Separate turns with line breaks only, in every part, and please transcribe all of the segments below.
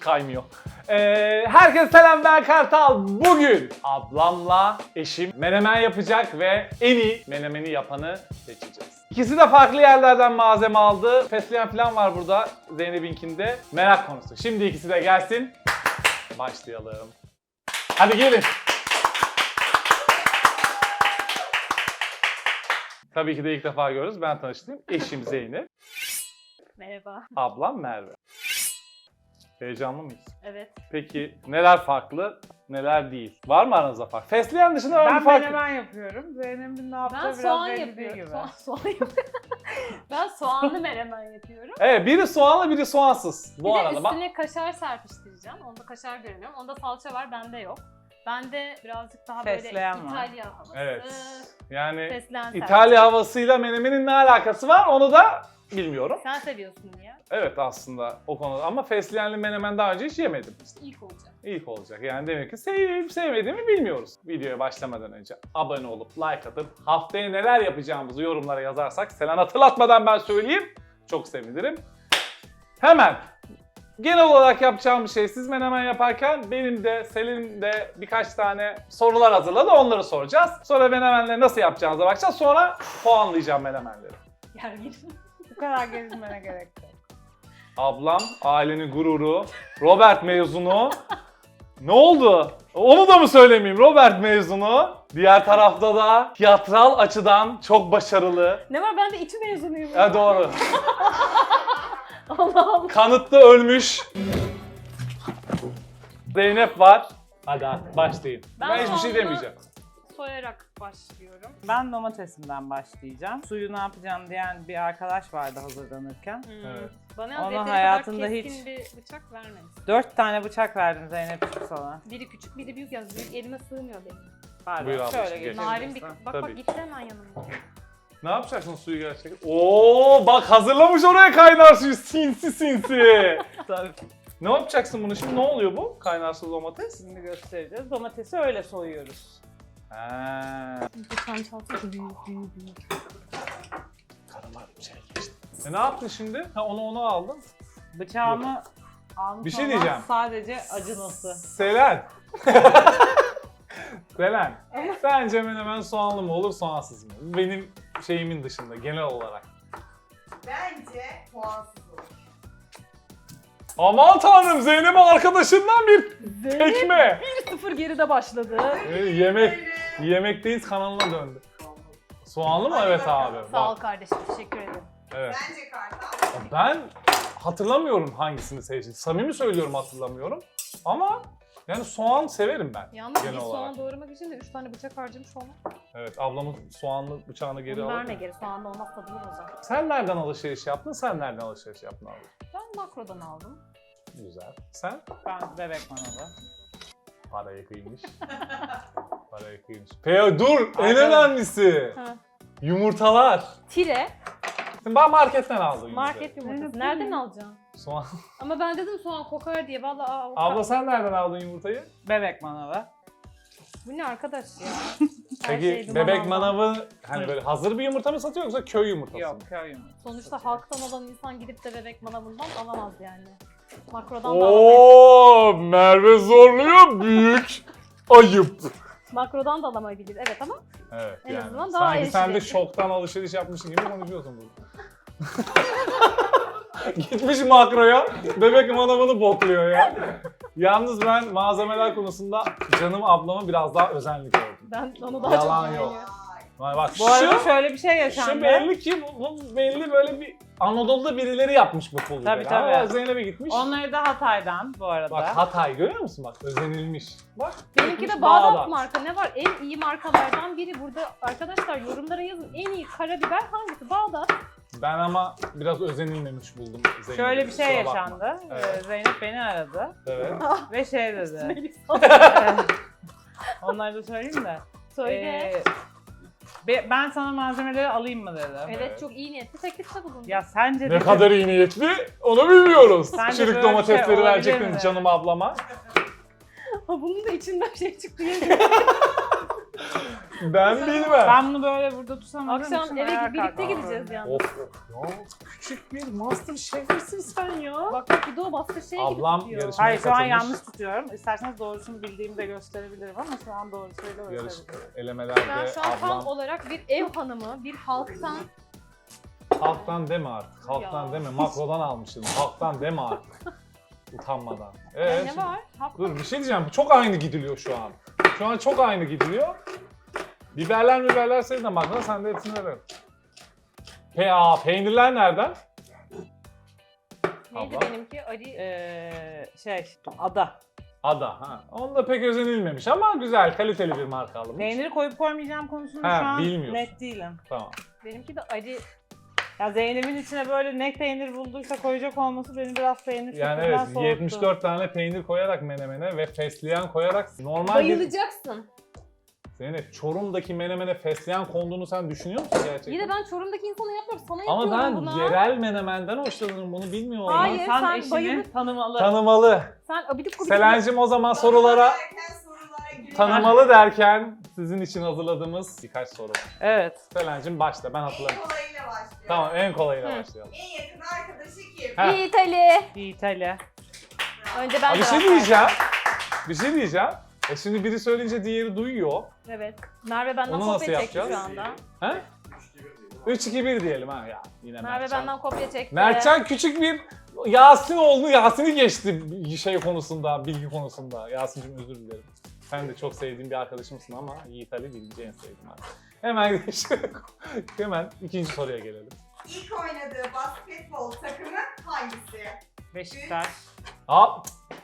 kaymıyor. Herkese selam, ben Kartal. Bugün ablamla eşim menemen yapacak ve en iyi menemeni yapanı seçeceğiz. İkisi de farklı yerlerden malzeme aldı. Fesleğen falan var burada Zeynep'inkinde. Merak konusu. Şimdi ikisi de gelsin. Başlayalım. Hadi gelin. Tabii ki de ilk defa görüyoruz. Ben tanıştım. Eşim Zeynep.
Merhaba.
Ablam Merve. Heyecanlı mıyız?
Evet.
Peki neler farklı, neler değil? Var mı aranızda fark? Fesleğen dışında var
Ben
mı fark?
menemen yapıyorum. Zeynep'in ne yaptığı
Ben
biraz
soğan
belli değil
yapıyorum.
gibi.
Soğan yapıyorum. Ben soğanlı menemen yapıyorum.
Evet, biri soğanlı, biri soğansız. Bu
Bir de
arada bak.
üstüne kaşar serpiştireceğim. Onda kaşar göremiyorum. Onda salça var, bende yok. Bende birazcık daha
Fesleğen
böyle
var.
İtalya havası.
Evet. Yani
Fesleğen
İtalya havasıyla menemenin ne alakası var onu da bilmiyorum.
Sen seviyorsun ya.
Evet aslında o konuda ama fesleğenli menemen daha önce hiç yemedim.
İşte ilk olacak.
İlk olacak. Yani demek ki sevip sevmediğimi bilmiyoruz. Videoya başlamadan önce abone olup like atıp haftaya neler yapacağımızı yorumlara yazarsak Selen hatırlatmadan ben söyleyeyim. Çok sevinirim. Hemen genel olarak yapacağım bir şey, siz menemen yaparken benim de Selin'in de birkaç tane sorular hazırladı, onları soracağız. Sonra menemenleri nasıl yapacağımıza bakacağız. Sonra puanlayacağım menemenleri.
Gergin.
Bu kadar gerilmene gerek yok.
Ablam, ailenin gururu, Robert mezunu. Ne oldu? Onu da mı söylemeyeyim? Robert mezunu. Diğer tarafta da tiyatral açıdan çok başarılı.
Ne var, ben de İTÜ mezunuyum.
Doğru.
Allah Allah.
Kanıtta ölmüş. Zeynep var. Hadi artık başlayın. Ben hiçbir şey
soğanlı
demeyeceğim.
Soyarak başlıyorum.
Ben domatesimden başlayacağım. Suyu ne yapacağım diyen bir arkadaş vardı hazırlanırken.
Evet.
Bana
Onun
yeteri
hayatında
kadar keskin
hiç-
bir bıçak vermemiş.
4 tane bıçak verdim Zeynep'ciğim sana.
Biri küçük, biri büyük yalnız. Büyük elime sığmıyor benim.
Pardon,
Buyur ablacığım,
şöyle
geç.
geçebilirsin.
Narin bir... Bak
Tabii.
gitti hemen yanımda.
Ne yapacaksın suyu gerçekten? Oo bak hazırlamış oraya kaynar suyu. Sinsi sinsi.
Tabii.
Ne yapacaksın bunu şimdi? Ne oluyor bu? Kaynarsız domates.
Şimdi göstereceğiz. Domatesi öyle soyuyoruz.
Lütfen çalsın. Büyük.
Karılar bir şey geçti. Ne yaptın şimdi? Onu aldın.
Bıçağımı almış
Bir şey
olmam
diyeceğim.
sadece acınası.
Selen. Selen. Sence menemen soğanlı mı olur, soğansız mı? Benim şeyimin dışında genel olarak.
Bence puansız olur.
Aman tanrım, Zeynep'in arkadaşından bir tekme.
1-0 geride başladı.
Yemekteyiz kanalına döndü. Soğanlı mı?
Hadi
Evet
bakalım.
abi.
Sağ ol
Bak.
kardeşim, teşekkür ederim.
Evet.
Bence kartal.
Ben hatırlamıyorum hangisini seçtim. Samimi söylüyorum, hatırlamıyorum. Ama yani soğan severim ben.
Yalnız
genel
bir
olarak.
soğan doğramak için de 3 tane bıçak harcamış olmak.
Evet, ablamın soğanlı bıçağını geri
Bunu
alır
verme
mı?
geri, soğanlı olmaz, tadını bozar.
Sen nereden alışveriş yaptın? Sen nereden alışveriş yaptın abi?
Ben makrodan aldım.
Güzel. Sen?
Ben bebek manalı.
Parayı kıymış. Parayı kıymış. Dur! En
Arkadaş-
önemlisi!
Ha.
Yumurtalar.
Tire,
Şimdi ben marketten aldım yumurtayı.
market yumurtası.
Evet,
Nereden
değil mi?
alacaksın?
Soğan.
Ama ben dedim soğan kokar diye. Vallahi
Abla sen nereden aldın yumurtayı?
Bebek manalı.
bu ne arkadaş ya? Her
Peki
şey duman
bebek
aldan.
manavı hani böyle hazır bir yumurta mı satıyor yoksa köy yumurtası mı?
Yok, köy yumurtası.
Sonuçta halktan olan insan gidip de bebek manavından alamaz yani. Makrodan da alamaz.
Oo, Merve zorluyor, büyük ayıp.
Makrodan da alamayabilir. Evet ama
Evet
En
yani.
azından daha
Sanki sen de
erişilebilir.
şoktan alışveriş yapmışsın gibi konuşuyorsun burada. Gitmiş makroya, bebek manavını bokluyor ya. Yalnız ben malzemeler konusunda canım ablama biraz daha özenli gördüm.
ben onu daha
Yalan
çok
yok.
beğeniyorum.
Vay bak
Bu arada şöyle bir şey yaşandı.
şu belli ki bu belli böyle bir Anadolu'da birileri yapmış bu pul
Tabii,
biberi.
tabii.
Ama Zeynep'e gitmiş.
Onları da Hatay'dan bu arada.
Bak Hatay görüyor musun bak özenilmiş. Bak.
Benimki
gitmiş
de Bağdat marka. Ne var? En iyi markalardan biri. Burada arkadaşlar yorumlara yazın. En iyi karabiber hangisi? Bağdat.
Ben ama biraz özenilmemiş buldum Zeynep'i.
Şöyle bir şey
Kusura bakma.
yaşandı.
Evet.
Zeynep beni aradı
Evet.
ve şey dedi.
Melisa.
Onları da söyleyeyim de.
Söyle.
Ben sana malzemeleri alayım mı dedi.
Evet,
Evet.
çok iyi niyetli teklifte bulundu.
Ya sence
Ne
dedi,
kadar iyi niyetli onu bilmiyoruz.
Sence
Çürük
böyle bir
domatesleri
şey olabilir
verecektiniz
mi?
canım ablama.
Ha, bunun da içinden şey çıktı.
Ben bilmem.
Ben bunu böyle burada tutamadığım için
Akşam eve
ayağa
birlikte
kalkmam.
gideceğiz yani.
Of ya küçük bir master şefsin sen ya.
Bak bak bir de o bastı şey
Ablam
gibi tutuyor.
yarışma-
Hayır şu an
katılmış.
yanlış tutuyorum. İsterseniz doğrusunu bildiğimi de gösterebilirim ama şu an doğrusuyla
Yarış
gösterebilirim.
elemelerde
Ben şu an tam
ablam
olarak bir ev hanımı, bir halktan
halktan deme artık. Halktan
Ya.
deme. Makrodan almışsın. Halktan deme artık. Utanmadan.
ne var? Halktan.
Dur bir şey diyeceğim. Çok aynı gidiliyor şu an. Şu an çok aynı gidiliyor. Biberler senin de makro. Sen de hepsini verin. Peynirler nereden?
Neydi
Abla.
benimki? Ali.
Ada.
Ada. Ha. Onda pek özenilmemiş ama güzel, kaliteli bir marka alınmış.
Peyniri koyup koymayacağım konusunda
Ha,
şu an
bilmiyorsun.
net değilim.
Tamam.
Benimki de Ali.
Ya Zeynep'in içine böyle ne peynir bulduysa koyacak olması beni biraz peynir
Yani
kültüründen
evet,
soğuttu.
74 tane peynir koyarak menemene ve fesleğen koyarak normal bir...
Bayılacaksın.
Zeynep, Çorum'daki menemene fesleğen konduğunu sen düşünüyor musun gerçekten?
İyi de ben Çorum'daki insana yapmıyorum. Sana
Ama
yapıyorum
ben
buna.
yerel menemenden hoşlanırım, bunu bilmiyor olmam.
Hayır,
İnsan
sen
eşini
bayılıp-
tanımalı.
Tanımalı.
Sen abidik gubidik.
Selen'cim o zaman sorulara
giriyor.
tanımalı derken sizin için hazırladığımız birkaç soru var.
Evet.
Selen'cim başla, ben
En
hatırlarım.
kolayıyla başlıyor.
Tamam, en kolayıyla
Hı.
başlayalım.
En yakın arkadaşı kim?
Ha.
İyi İtali.
İtalya.
Önce ben
Abi bir
cevap
şey
vereceğim.
diyeceğim. Bir şey diyeceğim. Şimdi biri söyleyince diğeri duyuyor.
Evet. Merve benden
Onu nasıl
kopya çekti şu
yapacağız?
anda.
He? 3-2-1 diyelim ha ya. Yine
Merve
Mertcan.
benden kopya çekti.
Mertcan küçük bir Yasin'i geçti şey konusunda, bilgi konusunda. Yasin'cim özür dilerim. Sen de çok sevdiğim bir arkadaşımsın ama Yiğit Ali birinci en sevdiğim arkadaşım. Hemen hemen ikinci soruya gelelim.
İlk oynadığı basketbol takımı hangisi?
Beşiktaş.
Aa,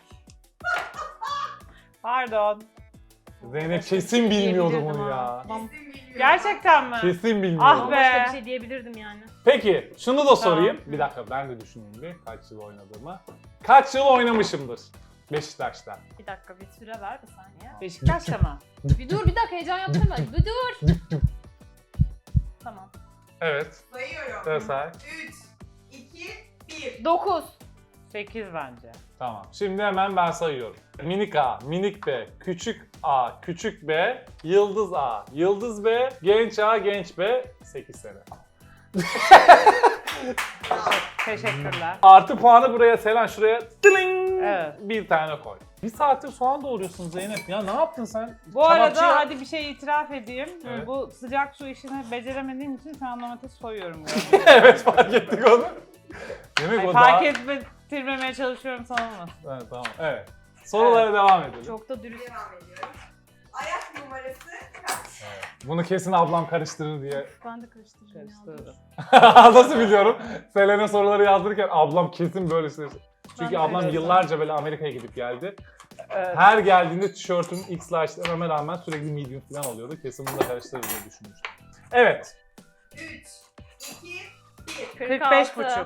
Pardon.
Zeynep kesin bilmiyordu
Diyebilirdim
bunu
ha.
ya.
Kesin bilmiyorum.
Gerçekten mi?
Kesin bilmiyordu.
Ah be.
Başka bir şey diyebilirdim yani.
Peki şunu da sorayım.
Tamam.
Bir dakika ben de düşüneyim bir kaç yıl oynadığımı. Kaç yıl oynamışımdır Beşiktaş'ta?
Bir dakika bir süre ver bir saniye.
Beşiktaş'ta mı?
Bir dur bir dakika heyecan yaptırma. Bir dur. Tamam.
Evet.
Sayıyorum.
Evet say.
3, 2, 1.
9.
8 bence.
Tamam. Şimdi hemen ben sayıyorum. Minik A, minik B, küçük A, küçük B, yıldız A, yıldız B, genç A, genç B, 8 sene.
Teşekkürler.
Artı puanı buraya Selen şuraya tling,
Evet.
bir tane koy. Bir saattir soğan doğruyorsun Zeynep ya ne yaptın sen?
Bu arada
Kebapçı ya.
hadi bir şey itiraf edeyim.
Evet.
Bu sıcak su işini beceremediğim için şu an domates soyuyorum.
Evet fark ettik onu. Demek
Ay,
o
fark
daha...
ettirmemeye çalışıyorum sanılmasın.
Evet, tamam evet. Sorulara devam edelim.
Çok da dürüst.
Devam ediyorum. Ayak numarası kaç?
Bunu kesin ablam karıştırır diye.
Ben de karıştıracağım ya.
Karıştırdım.
Nasıl biliyorum? Selen'e soruları yazdırırken ablam kesin böyle şey. Çünkü
de
ablam
öyle.
yıllarca böyle Amerika'ya gidip geldi.
Evet.
Her geldiğinde tişörtüm X large dememe rağmen sürekli medium falan oluyordu. Kesin bunu da karıştırır diye düşünmüştüm. Evet.
3, 2, 1.
45,5.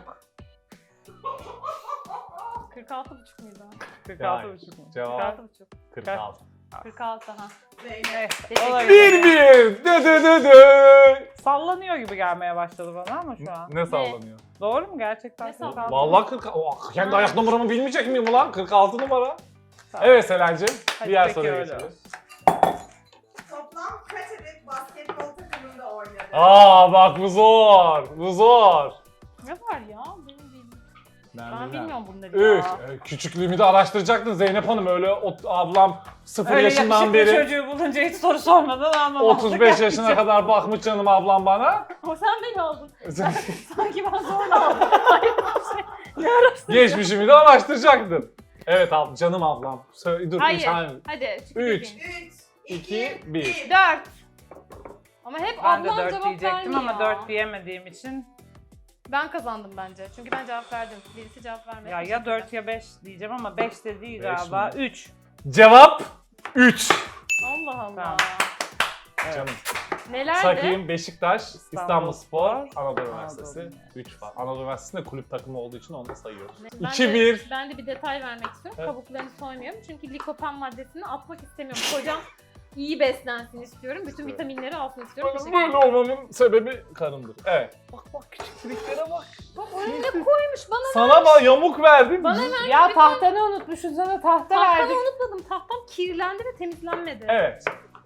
46,5 muydu?
46,5 mu?
Cevap
46,5.
46.
46 ha.
Zeynep.
Teşekkür
Olabilir.
ederim.
1-1. Dö dö dö dö.
Sallanıyor gibi gelmeye başladı bana ama şu an.
Ne sallanıyor?
Doğru mu gerçekten?
Ne sallanıyor?
46.
Vallahi 46. Oh, kendi ayak numaramı bilmeyecek miyim ulan? 46 numara. Evet Selen'cim.
Hadi
Diğer
peki
soruya
öyle.
geçelim.
Toplam kaç adet basketbol takımında oynadı?
Aa bak bu zor. Bu zor.
Ne var ya? Benim bilmiyorum. Ben bilmiyorum bunları
Üç.
ya.
Küçüklüğümü de araştıracaktın Zeynep Hanım. Öyle ablam 0
Öyle
yaşından
yakışıklı
beri
çocuğu bulunca hiç soru sormadan anlamazdık.
35 yaşına kadar bakmış canım ablam bana.
O sen beni aldın. Sanki ben zorla aldım. Hayır bir şey. Ne araştırdın?
Geçmişimi de araştıracaktın. Evet canım ablam. Dur
Hayır.
üç tane.
Hadi.
Üç.
3,
2,
2,
1.
1.
4. Ama hep
Ben de
ablam
4
cevap
diyecektim ama
vermiyor.
4 diyemediğim için
Ben kazandım bence. Çünkü ben cevap verdim. Birisi cevap vermedi.
ya 4 ya 5 diyeceğim ama 5 de değil
Beş
galiba.
mi?
3.
Cevap 3.
Allah Allah.
Tamam.
Canım.
Nelerdi?
Sakayım, Beşiktaş, İstanbulspor,
İstanbulspor,
Anadolu
Anadolu
Üniversitesi.
Üniversitesi.
3 var. Anadolu Üniversitesi'nde kulüp takımı olduğu için onu da sayıyoruz.
Ben
2-1.
Ben de bir detay vermek istiyorum.
Evet.
Kabuklarını soymuyorum. Çünkü likopen maddesini atmak istemiyorum. Kocam iyi beslensin istiyorum. Bütün
Evet.
vitaminleri alsın istiyorum.
Benim böyle olmamın sebebi karımdır. Evet. Bak bak küçüklüklere bak.
Bak oraya ne koymuş bana?
Sana bak yamuk verdim.
Bana
Ya tahtanı unutmuşsun sana tahta
Tahtamı
verdik.
unutmadım. Tahtam kirlendi ve temizlenmedi.
Evet.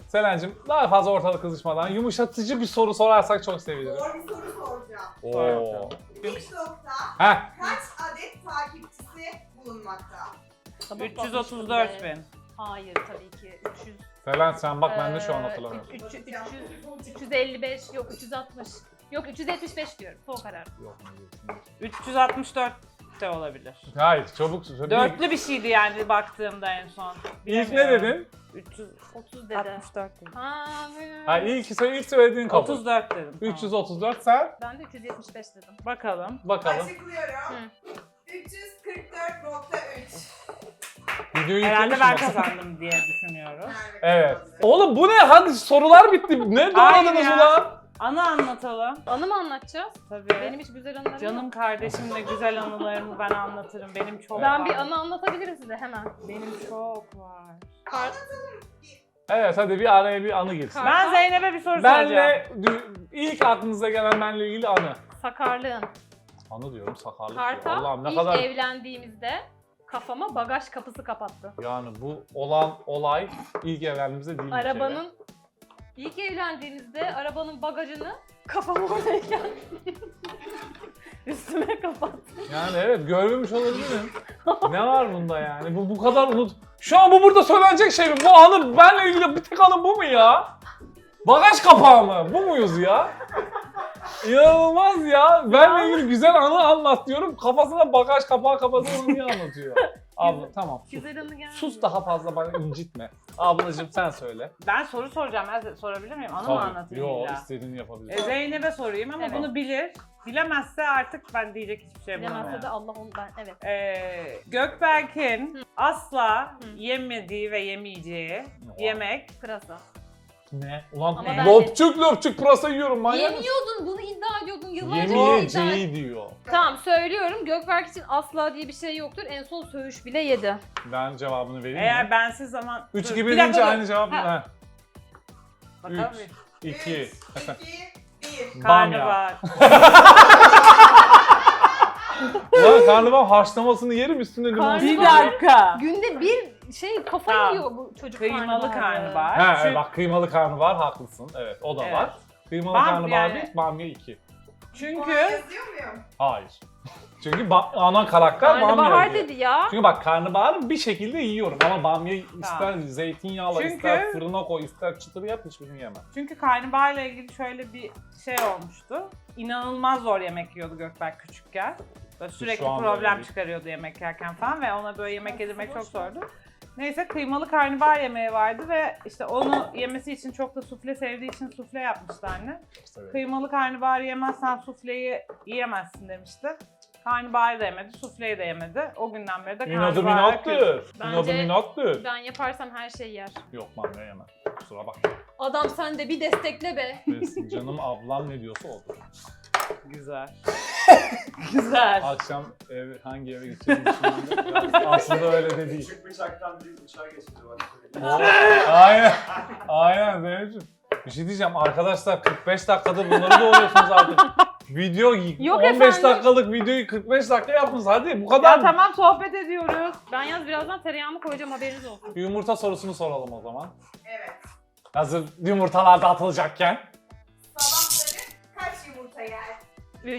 Selen'cim daha fazla ortalık kızışmadan yumuşatıcı bir soru sorarsak çok sevinirim.
Zor bir soru soracağım.
Oo.
TikTok'ta
Heh.
kaç adet takipçisi bulunmakta?
334 bin.
Hayır tabii ki 300.
Selen sen bak ben de şu an hatırlamıyorum.
355 yok 360. Yok 375 diyorum. Son karar.
Yok,
364 de olabilir.
hayır çabuk söyle.
Dörtlü bir şeydi yani baktığımda en son.
İlk ne
Bilemiyorum.
dedin?
30 dedi.
364 dedim.
Ha,
Ha ilk söylediğin kabul.
34 dedim. Tamam.
334 sen
ben de 375 dedim.
Bakalım.
bakalım.
Açıklıyorum.
Hı.
344.3.
Videoyu
Herhalde
yüklemiş
ben
misin?
kazandım diye düşünüyorum.
Evet. Oğlum bu ne? Hadi sorular bitti. Ne
Hayır
doğradınız
ya.
ulan?
Anı anlatalım.
Anı mı anlatacağız?
Tabii.
Benim hiç güzel anılarım
Canım
yok.
kardeşimle güzel anılarımı ben anlatırım. Benim çok
Ben
var.
bir anı anlatabilirim size hemen.
Benim çok var.
Evet hadi bir araya bir anı girsin.
Ben Zeynep'e bir soru soracağım.
Benle ilk aklınıza gelen benle ilgili anı.
Sakarlığın.
Anı diyorum sakarlık diyor.
Kartal
Allah'ım ne
ilk
kadar
evlendiğimizde kafama bagaj kapısı kapattı.
yani bu olan olay ilk evlendiğimizde değil bir kere.
Arabanın ilk evlendiğimizde arabanın bagajını kafama oradayken üstüme kapattı.
Yani evet görmemiş olabilirim. Ne var bunda yani? Bu kadar Şu an bu burada söylenecek şey mi? Bu anı benle ilgili bir tek anı bu mu ya? Bagaj kapağı mı? Bu muyuz ya? İnanılmaz ya. Benle ilgili güzel anı anlat diyorum. Kafasına bagaj kapağı kapatıp onu niye anlatıyor? Abla tamam sus.
Güzel anı geldi.
Sus daha fazla bana incitme. Ablacığım sen söyle.
Ben soru soracağım. Ben sorabilir miyim? Anı mı anlatayım
Yo
illa?
istediğini yapabilirsin.
Zeynep'e sorayım ama
Evet.
bunu bilir. Bilemezse artık ben diyecek hiçbir şey
Bilemezse
bulamıyorum.
de Allah onu ben evet.
Gökberk'in asla yemediği ve yemeyeceği yemek
Pırasa.
Ne? Ulan
Ama ben
lopçuk lopçuk pırasa yiyorum manyak mısın?
Yemiyordun bunu iddia ediyordun yıllarca iddia
Yemeyeceği diyor.
Tamam söylüyorum Gökberk için asla diye bir şey yoktur. En son söğüş bile yedi.
Ben cevabını vereyim
eğer
mi?
bensiz zaman...
3
Dur,
2
bir
1
dakika
deyince
dur.
aynı cevap mı?
Ha.
Ha.
Bakalım
3 2
3, 2, 1.
Karnabahar.
Ulan karnabahar haşlamasını yerim üstüne limon.
Karnabahar-
Bir dakika.
Günde bir kafayı
Tamam.
yiyor bu çocuk
Kıymalı karnabahar.
Ha
Çünkü-
bak kıymalı karnabahar haklısın. Evet o da
Evet.
var. Kıymalı
Bam-
karnabahar
yani-
1, bamya 2.
Çünkü
Yazıyor muyum?
Hayır. Çünkü ana karakter bamya
Karnabahar
yiyor.
dedi ya.
Çünkü bak karnabaharı bir şekilde yiyorum ama bamya ister zeytinyağla
Çünkü-
ister fırına koy ister çıtır yap hiçbirini yemem.
Çünkü karnabaharla ilgili şöyle bir şey olmuştu. İnanılmaz zor yemek yiyordu Gökberk küçükken. Böyle sürekli
Şu an böyle
problem
değil.
çıkarıyordu yemek yerken falan ve ona böyle yemek yedirmek çok zordu. Neyse kıymalı karnabahar yemeği vardı ve işte onu yemesi için çok da sufle sevdiği için sufle yapmıştı anne.
İşte
Kıymalı karnabaharı yemezsen sufleyi yiyemezsin demişti. Karnabaharı da yemedi, sufleyi de yemedi. O günden beri de
İnadı
karnabahara küs.
minattır.
Bence-
İnadı minattır.
Ben yaparsam her şeyi yer.
Yok bamya yemem. Kusura bakma.
Adam sen de bir destekle be.
Neyse, canım ablam ne diyorsa odur.
Güzel. Güzel.
Akşam hangi eve gideceğimi düşündüm. Aslında öyle de değil.
Küçük bıçaktan büyük bıçağa geçildi bak.
Aynen. Aynen Zeynep'ciğim. Bir şey diyeceğim arkadaşlar 45 dakikada bunları doğruyorsunuz artık. Video
Yok
15
efendim.
dakikalık videoyu 45 dakika yaptınız hadi bu kadar.
Ya tamam sohbet ediyoruz.
Ben yalnız birazdan tereyağımı koyacağım haberiniz olsun.
Bir yumurta sorusunu soralım o zaman.
Evet.
Hazır yumurtalar da atılacakken.
Sabahları kaç yumurta yer?
3.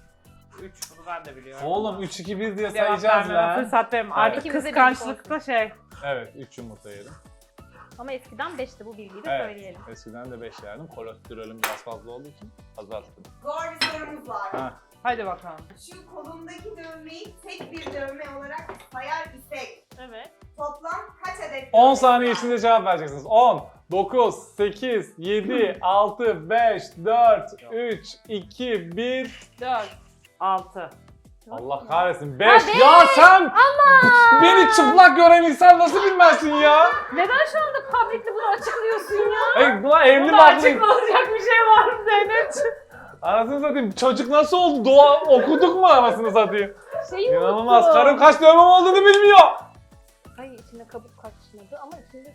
3 bunu ben de biliyorum.
Oğlum 3-2-1 diye
Cevap
sayacağız
vermeme
lan.
fırsat verim. Artık
İkimiz de
kıskançlıkta şey.
Evet 3 yumurta yedim.
Ama eskiden 5'ti bu bilgiyi de
Evet.
söyleyelim.
Eskiden de 5 yerdim. Kolesterolüm biraz fazla olduğu için azalttım.
Zor bir sorumuz var.
Ha.
Hadi bakalım.
Şu kolundaki dövmeyi tek bir dövme olarak sayar isek
Evet.
toplam kaç adet
10
dövme
saniye
var?
içinde cevap vereceksiniz. 10, 9, 8, 7, 6, 5, 4, 3, 2, 1.
4.
6.
Allah kahretsin. 5.
beş!
Ya sen beni çıplak gören insan nasıl bilmezsin ya?
Neden şu anda publicly bunu açıklıyorsun ya?
Ey buna evli
Bunda
barklı.
açıklanacak bir şey var mı Zeynep'ciğim?
Anasını satayım. Çocuk nasıl oldu? Doğa okuduk mu anasını satayım?
Şeyi
İnanılmaz.
unuttum.
Karım kaç dövmem olduğunu bilmiyor.
Ay içinde kabuk kaçmadı ama içinde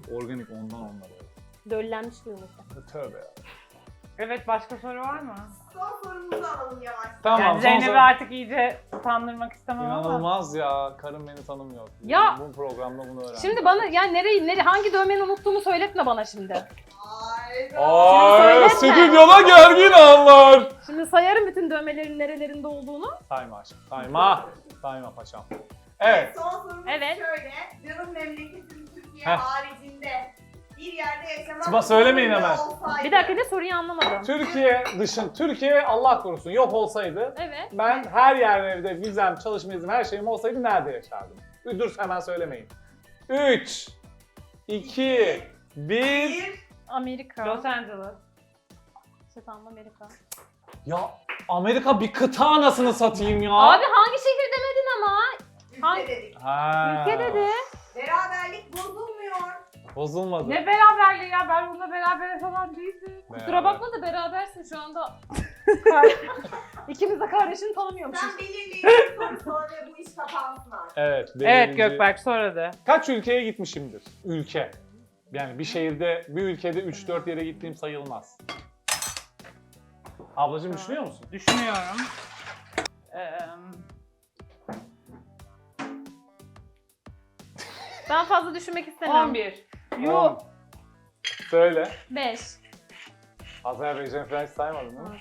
Organik ondan onlar.
döllenmiş bir yumurta.
Tövbe ya.
Evet başka soru var mı?
son sorumuzu alalım yavaş.
Tamam.
Yani
son
Zeynep'i
soru.
artık iyice utandırmak istemem ama.
İnanılmaz ya. Karım beni tanımıyor.
Ya.
Bu programda bunu öğrendim.
Şimdi bana yani hangi dövmeni unuttuğumu söyletme bana şimdi.
Hayda.
Ay,
Şimdi
stüdyoda gergin anlar.
Şimdi sayarım bütün dövmelerin nerelerinde olduğunu.
Sayma aşkım. Sayma. Sayma paşam. Evet.
Son sorumuz
Evet.
şöyle. Canım memleketim Türkiye
Heh.
haricinde bir yerde yaşamak
Sıma söylemeyin
zorunda
hemen.
olsaydı-
Bir dakika ne soruyu anlamadım.
Türkiye Allah korusun yok olsaydı
Evet.
ben her yerde vizem, çalışma iznim, her şeyim olsaydı nerede yaşardım? Dur hemen söylemeyin. 3, 2, 1.
Bir.
Amerika.
Los Angeles.
İşte tamam Amerika.
Ya Amerika bir kıta anasını satayım ya.
Abi hangi şehir demedin ama? Hangi-
Ülke dedik.
Ha.
Ülke dedi.
Beraberlik bozulmuyor.
Bozulmadı.
Ne beraberliği ya, ben bununla beraber falan değildim.
Kusura bakma da berabersin şu anda. İkimiz de kardeşini tanımıyormuşuz.
Sen belirleyin soru sor ve bu iş kapansın artık.
Evet.
Evet
belirleyici-
Gökberk, sonra da.
Kaç ülkeye gitmişimdir? Ülke. Yani bir şehirde, bir ülkede 3-4 yere gittiğim sayılmaz. Ablacığım düşünüyor musun?
Düşünüyorum.
Ben fazla düşünmek istemiyorum.
11.
Yuh. Söyle.
5.
Azerbaycan falan hiç saymadın değil mi?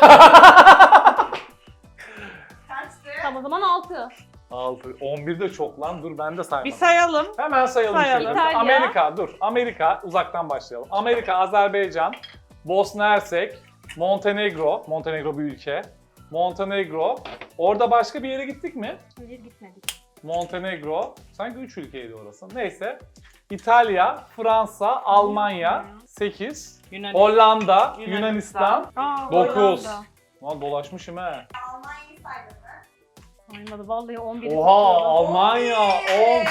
Kaçtı?
Tamam o zaman 6.
6. 11 de çok lan. Dur ben de saymadım.
Bir sayalım.
Hemen sayalım.
Sayalım.
şöyle.
İtalya.
Amerika, dur. Amerika, uzaktan başlayalım. Amerika, Azerbaycan, Bosna Hersek, Montenegro. Montenegro bir ülke. Montenegro. Orada başka bir yere gittik mi?
Hayır gitmedik.
Montenegro. Sanki 3 ülkeydi orası. Neyse. İtalya, Fransa, Almanya 8. Hollanda, Yunanistan
Aa,
9.
Hollanda.
Lan dolaşmışım he.
Almanya'yı saydın mı?
Saymadı vallahi 11.
Oha Almanya 10.
Bravo.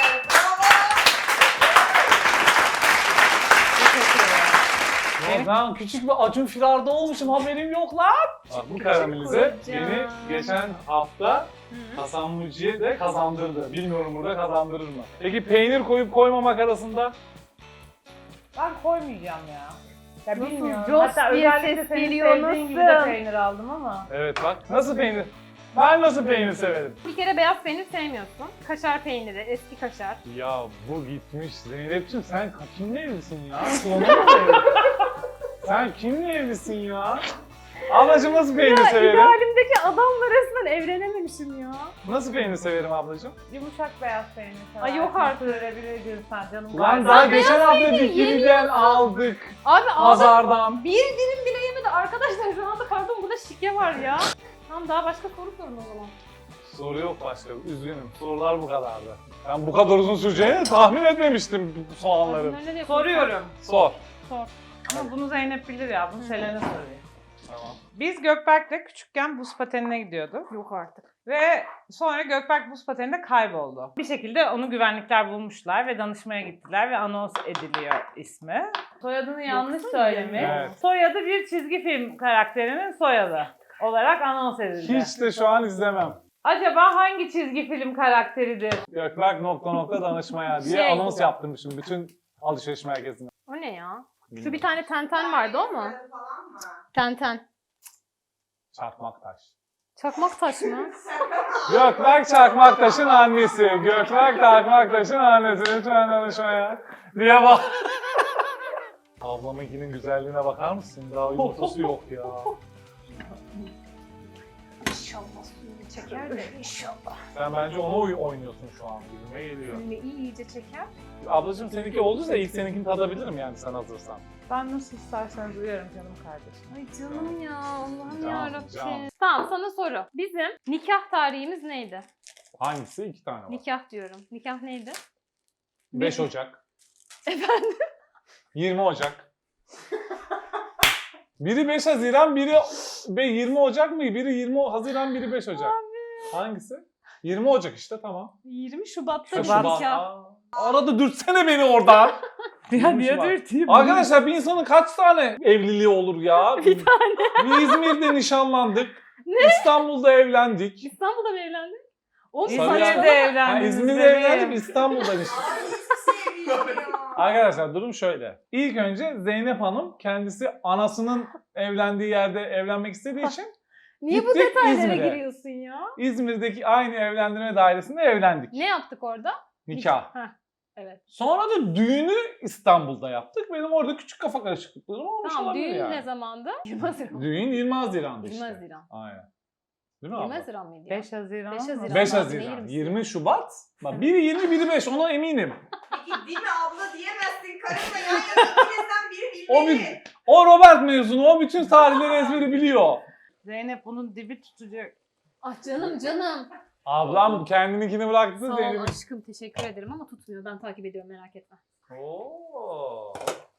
Ya ben küçük bir Acun Firar'da olmuşum haberim yok lan. Bak bu karamelize
Kocaman.
beni geçen hafta Hasan Muci'ye de kazandırdı. Bilmiyorum burada kazandırır mı? Peki peynir koyup koymamak arasında?
Ben koymayacağım ya. Ya
Nasıl
bilmiyorum.
Jos
Hatta
diye
özellikle
ses
senin
geliyor,
sevdiğin gibi
nasıl?
de peynir aldım ama.
Evet bak nasıl peynir? Ben nasıl peynir severim?
Bir kere beyaz peynir sevmiyorsun. Kaşar peyniri, eski kaşar.
Ya bu gitmiş Zeynep'ciğim sen kimle evlisin ya? Sonu mu evli? Sen kimle evlisin ya? Ablacığım nasıl peynir severim?
İdealimdeki adamla resmen evlenememişim ya.
Nasıl peynir severim ablacığım?
Yumuşak beyaz peynir seversin.
Ay yok artık.
Görebilir sen canım.
Ulan
galiba.
daha geçen hafta Dikili'den
yemiyorsun.
aldık.
Abi ağzım
Pazardan.
bir dilim bile yemedi. Arkadaşlar şu anda pardon burada şike var ya. Tamam daha başka soru sorun o zaman.
Soru yok başka. Üzgünüm. Sorular bu kadardı. Ben bu kadar uzun süreceğini tahmin etmemiştim bu soğanların.
Bunları ne
Soruyorum.
Sor.
Sor.
Ama bunu Zeynep bilir ya. Bunu Selen'e sorayım.
Tamam.
Biz Gökberk'le küçükken buz patenine gidiyorduk.
Yok artık.
Ve sonra Gökberk buz pateninde kayboldu. Bir şekilde onu güvenlikler bulmuşlar ve danışmaya gittiler ve anons ediliyor ismi. Soyadını yanlış söylemiş.
Evet.
Soyadı bir çizgi film karakterinin soyadı olarak anons edildi.
Hiç de şu an izlemem.
Acaba hangi çizgi film karakteridir?
Gökberk ... danışmaya diye
Şey.
anons yaptırmışım bütün alışveriş merkezine.
O ne ya? Şu bir tane tenten vardı o mu?
Falan mı?
Tenten.
Çakmak taş.
Çakmak taş mı?
Gökberk Çakmaktaş'ın annesi. Gökberk Çakmaktaş'ın annesi. Lütfen danışmaya. Diye bak. Ablamınkinin güzelliğine bakar mısın? Daha yumurtası yok ya.
İnşallah suyunu çeker de inşallah.
Sen bence onu oynuyorsun şu an. Gülme geliyor.
Suyunu iyice çeker.
Ablacığım seninki olduysa ilk seninkini tadabilirim yani sen hazırsan.
Ben nasıl isterseniz uyarım canım kardeşim.
Ay canım ya Allah'ım
Can,
yarabbim.
can.
Tamam sana soru. Bizim nikah tarihimiz neydi?
Hangisi? 2 tane var.
Nikah diyorum. Nikah neydi?
5 Ocak.
Efendim?
20 Ocak. Biri 5 Haziran, biri 20 Ocak mı? Biri 20 Haziran, biri 5 Ocak. Hangisi? 20 Ocak işte tamam.
20 Şubat'ta
Ha,
nikah.
Şubat. Aa, arada dürtsene beni oradan.
Ya
niye
dürteyim?
Arkadaşlar bir insanın kaç tane evliliği olur ya? Bir tane. Bir İzmir'de nişanlandık. İstanbul'da evlendik.
İstanbul'da mı evlendin? O
Sarıyer-
İzmir'de
Ha,
evlendiniz.
İzmir'de
bebeğim.
evlendik, İstanbul'da işte.
Ay hiçbir şey bilmiyorum.
Arkadaşlar durum şöyle. İlk önce Zeynep Hanım kendisi anasının evlendiği yerde evlenmek istediği için
Niye bu
Gittik
detaylara
İzmir'e.
giriyorsun ya?
İzmir'deki aynı evlendirme dairesinde evlendik.
Ne yaptık orada?
Nikah.
Heh, evet.
Sonra da düğünü İstanbul'da yaptık. Benim orada küçük kafa karışıklıklarım olmuş
Tamam,
olabilir
düğün
yani.
ne zamandı? 20 Haziran.
Düğün 20 Haziran'dı
20
işte.
Haziran.
Aynen. Değil mi
20
abla?
Haziran mıydı ya?
5 Haziran.
5 Haziran.
5
Allah'ım,
Haziran.
neyim
20 Şubat. Bak biri 20 biri 5 ona eminim.
Peki değil mi abla diyemezsin. Karınla yan yana bilirsen biri
O,
bilmeli.
o Robert mezunu. O bütün tarihleri ezberi biliyor.
Zeynep bunun dibi tutacak.
Ah canım canım.
Ablam kendininkini bıraktı.
Sağ ol
Zeynep'in.
aşkım, teşekkür ederim ama tutmuyor. Ben takip ediyorum, merak etme.
Oo.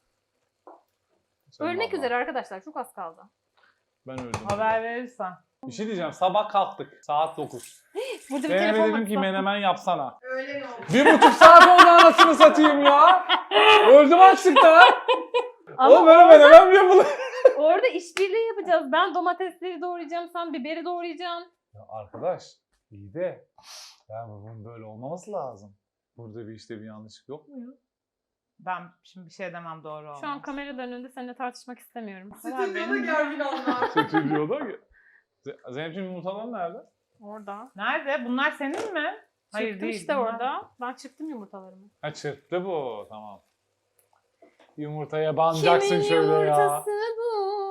Ölmek
Ablam.
üzere arkadaşlar, çok az kaldı.
Ben öldüm.
Haber verirsen.
Bir şey diyeceğim. Sabah kalktık. Saat 9.
Burada bir
Zeynep'e
telefon
dedim ki
var.
menemen yapsana.
Öyle mi oldu?
1,5 saat oldu anasını satayım ya. Öldüm açlıktan.
Ama
Oğlum böyle menemen mi yapılır?
orada işbirliği yapacağız. Ben domatesleri doğrayacağım, sen biberi doğrayacaksın.
Ya arkadaş iyi de ya bunun böyle olmaması lazım. Burada bir işte bir yanlışlık yok mu ya?
Ben şimdi bir şey demem doğru olmaz.
Şu an kameraların önünde seninle tartışmak istemiyorum.
Benim-
Stüdyoda gergin onlar.
Stüdyoda ki. Zeynep'ciğim yumurtalar nerede?
Orada.
Nerede? Bunlar senin mi? Hayır
Çıktım
değil.
işte
bunlar-
orada. Ben çıktım yumurtalarımı.
Ha çırptı bu tamam. Yumurtaya banacaksın şöyle ya.
bu?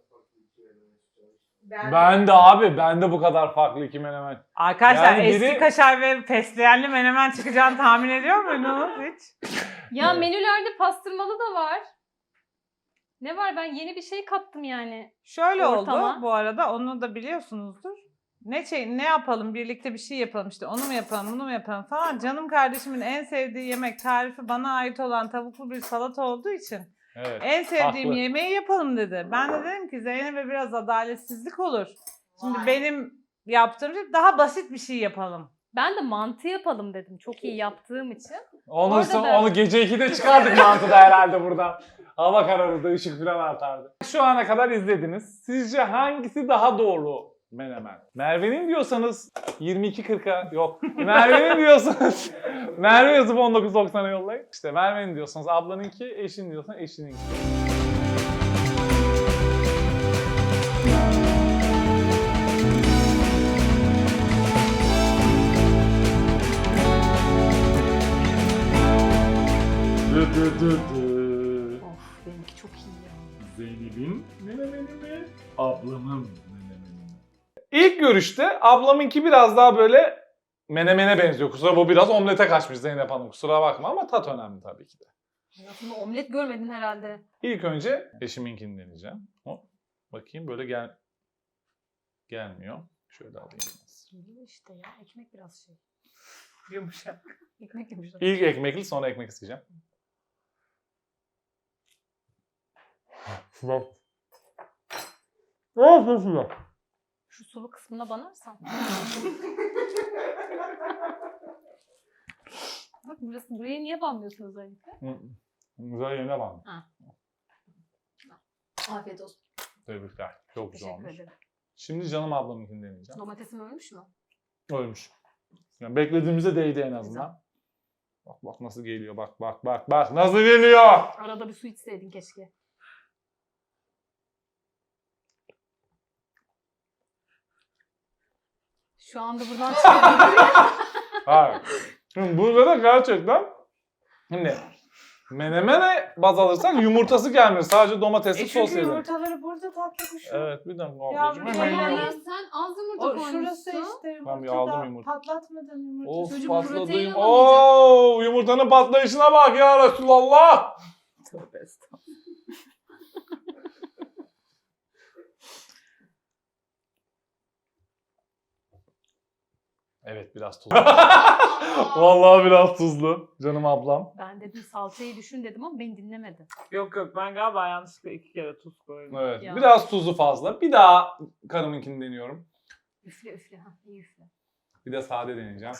Ben de abi ben de bu kadar farklı iki menemen.
Arkadaşlar
Yani biri-
eski kaşar ve fesleğenli menemen çıkacağını tahmin ediyor muydunuz hiç?
Ya
Evet.
menülerde pastırmalı da var. Ne var, ben yeni bir şey kattım yani.
Şöyle
Ortama.
oldu bu arada, onu da biliyorsunuzdur. Ne yapalım, birlikte bir şey yapalım, işte onu mu yapalım, bunu mu yapalım falan. Canım kardeşimin en sevdiği yemek tarifi bana ait olan tavuklu bir salata olduğu için
Evet.
en sevdiğim
haklı.
yemeği yapalım dedi. Ben de dedim ki Zeynep'e biraz adaletsizlik olur. Şimdi
Vay.
benim yaptığım şey daha basit bir şey yapalım.
Ben de mantı yapalım dedim. Çok iyi yaptığım için.
Onu,
Orada da-
onu gece 2'de çıkardık mantıda herhalde buradan. Hava kararırdı, ışık falan artardı. Şu ana kadar izlediniz. Sizce hangisi daha doğru menemen? Merve'nin diyorsanız 22.40'a yok. Merve'nin diyorsanız Merve yazıp 19.90'a yollayın. İşte Merve'nin diyorsanız ablanınki, eşin diyorsan eşininki.
Of, benimki çok iyi ya.
Zeynep'in menemeni mi? Ablamın menemeni mi? İlk görüşte ablamınki biraz daha böyle menemene benziyor. Kusura bu biraz omlete kaçmış Zeynep Hanım. Kusura bakma ama tat önemli tabii ki de.
Hayatımda omlet görmedin herhalde.
İlk önce eşiminkini deneyeceğim. Bakayım böyle gelmiyor. Şöyle alayım.
Geliyor işte ya. Ekmek biraz şey.
Yumuşak.
Ekmek yumuşak.
İlk ekmekli sonra ekmek isteyeceğim.
Şu sulu kısmına banarsan. Bak buraya niye banmıyorsun özellikle?
Güzel yerine bak.
Afiyet olsun.
Tebrikler. Çok güzel
Teşekkür
olmuş.
ederim.
Şimdi canım ablamınkini deneyeceğim.
Domatesim ölmüş mü?
Ölmüş. Yani beklediğimize değdi en azından. Bak nasıl geliyor. Bak nasıl geliyor.
Arada bir su içseydin keşke. Şu anda buradan çıkıyorum.
Hayır. Şimdi burada da gerçekten şimdi menemene baz alırsak yumurtası gelmiyor. Sadece domatesli sos
Çünkü
yedim.
yumurtaları burada tatlı kuşu.
Evet bir dakika
Ya
ablacığım.
bir
Hemen
de-
yiyorum.
Sen az yumurta
O
koymuşsun.
şurası işte
Ben bir
yumurtada
aldım yumurta.
patlatmadan yumurta.
Of
Çocuk
patladı.
protein alamayacak.
Oo yumurtanın patlayışına bak ya Resulallah.
Tövbe estağfurullah.
Evet biraz tuzlu. Vallahi biraz tuzlu. Canım ablam.
Ben dedim salçayı düşün dedim ama beni dinlemedi.
Yok ben galiba yanlışlıkla 2 kere tuz koydum.
Evet.
Ya.
Biraz tuzu fazla. Bir daha karımınkini deniyorum.
Üfle üfle. Ha, iyi üfle.
Bir de sade deneyeceğim.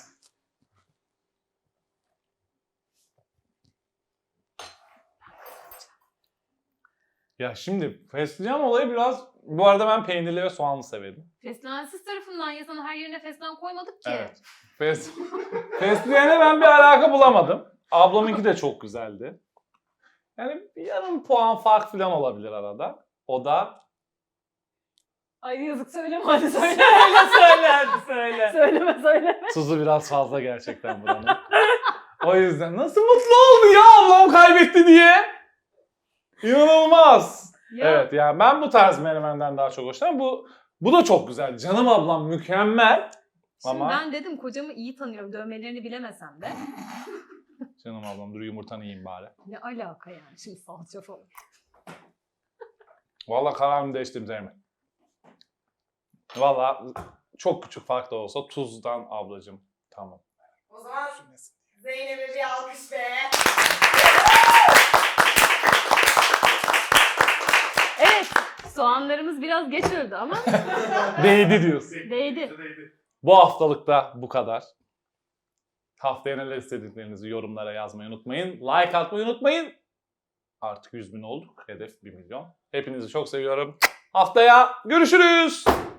Ya şimdi fesleğen olayı biraz... Bu arada ben peynirli ve soğanlı severim.
Fesleğensiz tarafından ya, sana her yerine fesleğen koymadık ki.
Evet. Fesleğene ben bir alaka bulamadım. Ablamınki de çok güzeldi. Yani bir yarım puan fark falan olabilir arada. O da
Ay yazık söyleme hadi söyle.
Söyle hadi söyle.
söyleme.
tuzu biraz fazla gerçekten buranın. O yüzden nasıl mutlu oldu ya ablam kaybetti diye. İnanılmaz.
Ya,
Evet yani ben bu tarz menemenden daha çok hoşlanıyorum. Bu da çok güzel. Canım ablam mükemmel.
Şimdi
Ama
ben dedim kocamı iyi tanıyorum. Dövmelerini bilemesem de.
canım ablam dur yumurtanı yiyeyim bari.
Ne alaka yani şimdi salça falan.
Vallahi kararımı değiştirdim Zeynep. Vallahi çok küçük fark da olsa tuzdan ablacığım. Tamam.
O zaman Zeynep'e bir alkış be.
Evet. Soğanlarımız biraz geç öldü ama
Değdi diyorsun.
değdi.
Bu haftalık da bu kadar. Haftaya neler istediklerinizi yorumlara yazmayı unutmayın. Like atmayı unutmayın. Artık 100.000 olduk. Hedef 1 milyon. Hepinizi çok seviyorum. Haftaya görüşürüz.